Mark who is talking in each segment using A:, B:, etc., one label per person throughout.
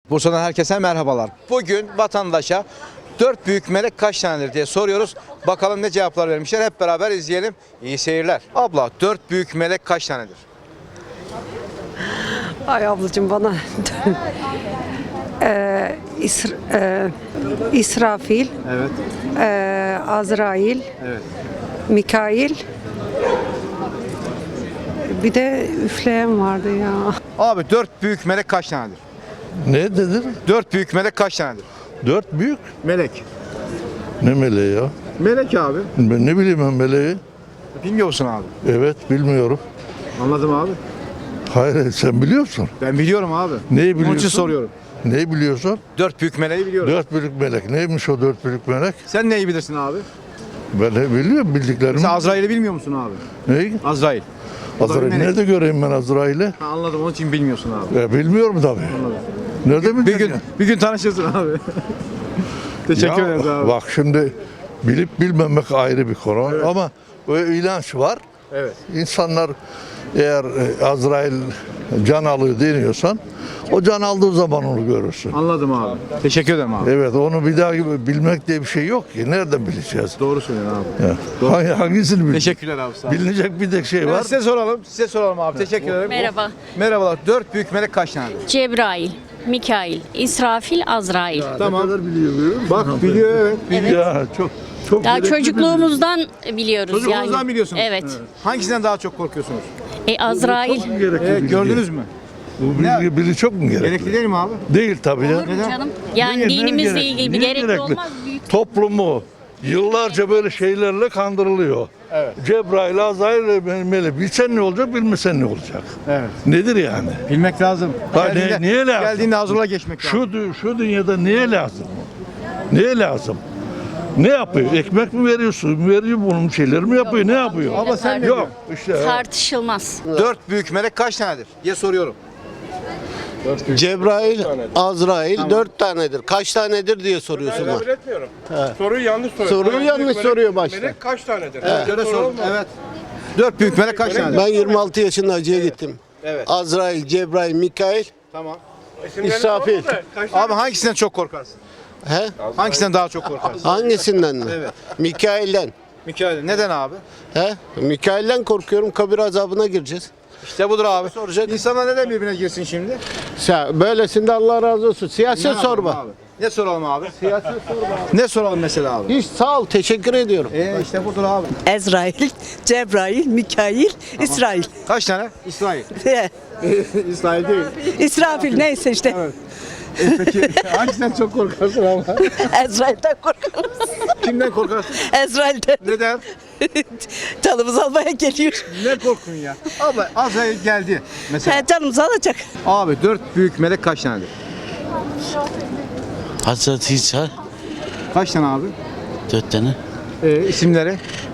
A: Bursa'dan herkese merhabalar. Bugün vatandaşa 4 büyük melek kaç tanedir diye soruyoruz. Bakalım ne cevaplar vermişler. Hep beraber izleyelim. İyi seyirler. Abla 4 büyük melek kaç tanedir?
B: Ay ablacığım bana İsrafil,
A: Evet.
B: Azrail,
A: Evet.
B: Mikail, bir de üfleyen vardı ya.
A: Abi 4 büyük melek kaç tanedir?
C: Ne dedin?
A: 4 büyük melek kaç tanedir?
C: 4 büyük.
A: Melek.
C: Ne meleği ya?
A: Melek abi.
C: Ben ne bileyim ben meleği.
A: Bilmiyor musun abi?
C: Evet bilmiyorum.
A: Anladım abi.
C: Hayır sen biliyorsun.
A: Ben biliyorum abi.
C: Neyi
A: Onun için
C: biliyorsun?
A: soruyorum.
C: Neyi biliyorsun?
A: 4 büyük meleği biliyorum.
C: 4 büyük melek. Neymiş o 4 büyük melek?
A: Sen neyi bilirsin abi?
C: Ben ne biliyorum bildiklerimi.
A: Sen Azrail'i bilmiyor musun abi?
C: Neyi?
A: Azrail. O da bir
C: Azrail.
A: melek.
C: Nerede göreyim ben Azrail'i?
A: Ha, anladım, onun için bilmiyorsun abi.
C: Bilmiyorum tabii. Nerede
A: Bir
C: bileceğim
A: gün
C: ya?
A: bir gün tanışırsın abi. Teşekkür
C: Ya,
A: ederiz abi.
C: bak şimdi bilip bilmemek ayrı bir konu ama o inanç var.
A: Evet.
C: İnsanlar eğer Azrail can alıyor deniyorsan o can aldığı zaman onu görürsün.
A: Anladım abi. Teşekkür ederim abi.
C: Evet onu bir daha gibi bilmek diye bir şey yok ki. Nereden bileceğiz?
A: Doğru söylüyorsun abi.
C: Ya. Hangisini bileceğiz?
A: Teşekkürler abi, sağ olun.
C: Bilinecek bir tek şey var.
A: Size soralım. Size soralım abi. Teşekkür ederim.
D: Merhaba.
A: Merhabalar. 4 büyük melek kaç tanedir?
D: Cebrail, Mikail, İsrafil, Azrail.
A: Tamam.
C: biliyor
A: Bak biliyor, evet.
D: Evet.
C: Ya çok
D: Daha
C: gerekli
D: çocukluğumuzdan biliyoruz
A: Çocukluğunuzdan
D: yani.
A: biliyorsunuz.
D: Evet.
A: Hangisinden daha çok korkuyorsunuz?
D: Azrail.
C: bir gerekli bilgi.
A: Gördünüz mü?
C: Bu bilgi çok mu gerekli?
A: Gerekli değil mi abi?
C: Değil tabii ya.
D: Olur mu canım? Yani
C: Niye
D: dinimizle
C: gerekli?
D: ilgili bir
C: Niye
D: gerekli olmaz. Büyük.
C: Toplumu yıllarca böyle şeylerle kandırılıyor.
A: Evet.
C: Cebrail, Azrail, Melek. Bilsen ne olacak, bilmesen ne olacak?
A: Evet.
C: Nedir yani?
A: Bilmek lazım.
C: Ha, niye lazım?
A: Geldiğinde hazırla geçmek lazım.
C: Şu dünyada niye lazım? Niye lazım? Ne yapıyor? Ekmek mi veriyor, su mu veriyor, bunun şeyleri mi yapıyor, ne yapıyor?
A: Abla sen ne
C: Yok
A: diyorsun?
C: işte.
D: Tartışılmaz.
A: 4 büyük melek kaç tanedir diye soruyorum.
E: Cebrail, Azrail 4 tanedir. Kaç tanedir diye soruyorsun
F: Ben
E: bana.
F: kabul etmiyorum. Soruyu yanlış soruyor.
E: Soruyu yanlış soruyor başta.
F: Melek kaç tanedir?
A: Göre sor. Evet. 4 büyük melek kaç tanedir?
E: Ben 26 yaşında hacıya gittim.
A: Evet.
E: Azrail, Cebrail, Mikail,
A: Tamam.
F: İsimlerini
E: İsrafil.
F: sorma da kaç tane-
A: Abi hangisinden çok korkarsın?
E: he?
A: Hangisinden daha çok korkarsın?
E: Hangisinden mi?
A: Evet.
E: Mikail'den.
A: Mikail. Neden abi?
E: He? Mikail'den korkuyorum. Kabir azabına gireceğiz.
A: İşte budur abi.
E: Soracak.
A: İnsanlar neden birbirine girsin şimdi?
E: Böylesinde Allah razı olsun. Siyaset
A: Ne yapalım
E: sorma.
A: abi? Ne soralım abi? Siyaset sorma. Ne soralım mesela abi?
E: Hiç sağ ol. Teşekkür ediyorum.
A: İşte budur abi.
G: Ezrail, Cebrail, Mikail, İsrail.
A: Kaç tane? İsrail. İsrail değil.
G: İsrafil neyse işte.
A: Peki hangisinden çok korkarsın ama?
G: Ezrail'den korkarız.
A: Kimden korkarsın?
G: Ezrail'den
A: Neden?
G: canımızı almaya geliyor.
A: Ne korkun ya? Abla Azrail geldi mesela.
G: Canımızı alacak.
A: Abi 4 büyük melek kaç tanedir?
H: Hazreti İsa
A: Kaç tane abi?
H: 4 tane.
A: İsimleri?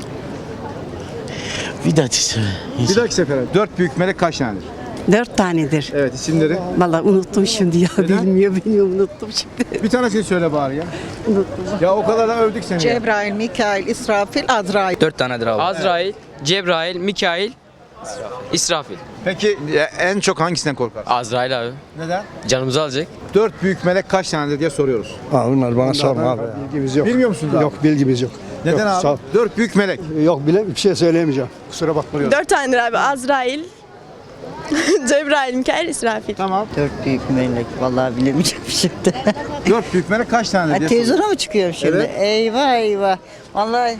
H: Vidat İsa.
A: Bir dahaki sefere 4 büyük melek kaç tanedir?
G: 4 tanedir.
A: Evet, isimleri.
G: Vallahi unuttum şimdi ya.
A: Neden?
G: Bilmiyorum unuttum şimdi.
A: Bir tanesini söyle bari ya. Ya o kadar da övdük seni. ya.
I: Cebrail, Mikail, İsrafil, Azrail.
J: 4 tanedir abi. Azrail, Cebrail, Mikail, İsrafil.
A: Peki en çok hangisinden korkarsın?
J: Azrail abi.
A: Neden?
J: Canımızı alacak.
A: 4 büyük melek kaç tanedir diye soruyoruz.
K: Bunlar bana sorma abi. Bilgimiz yok.
A: Bilmiyor musunuz abi?
K: Yok bilgimiz yok.
A: Neden
K: Yok, sağ ol.
A: abi? 4 büyük melek.
K: Yok bile bir şey söyleyemeyeceğim. Kusura bakma.
G: 4 tanedir abi. Azrail, Cebrail, Mikail, İsrafil.
A: Tamam.
I: 4 büyük melek. Vallahi bilemeyeceğim şimdi.
A: 4 büyük melek kaç tanedir diye soruyoruz.
I: Televizyona mı çıkıyorum şimdi?
A: Evet.
I: Eyvah eyvah. Vallahi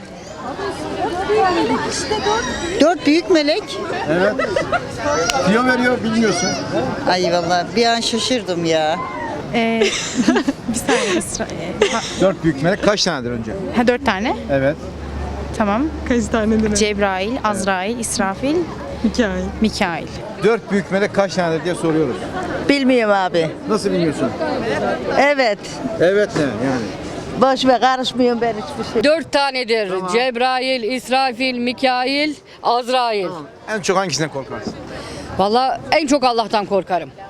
I: 4 büyük melek.
A: Evet. Diyor veriyor, bilmiyorsun.
I: Ay vallahi bir an şaşırdım ya.
L: Bir saniye.
A: 4 büyük melek kaç tanedir önce?
L: Ha 4 tane.
A: Evet.
L: Tamam. Kaç tanedir? Cebrail, Azrail, İsrafil, Mikail. Mikail.
A: 4 büyük melek kaç tanedir diye soruyoruz.
I: Bilmiyorum abi.
A: Nasıl bilmiyorsun?
I: Evet.
A: Evet ne yani?
I: Boş ver, karışmıyorum ben hiçbir şey.
D: 4 tanedir. Cebrail, İsrafil, Mikail, Azrail.
A: En çok hangisinden korkarsın?
D: Vallahi en çok Allah'tan korkarım.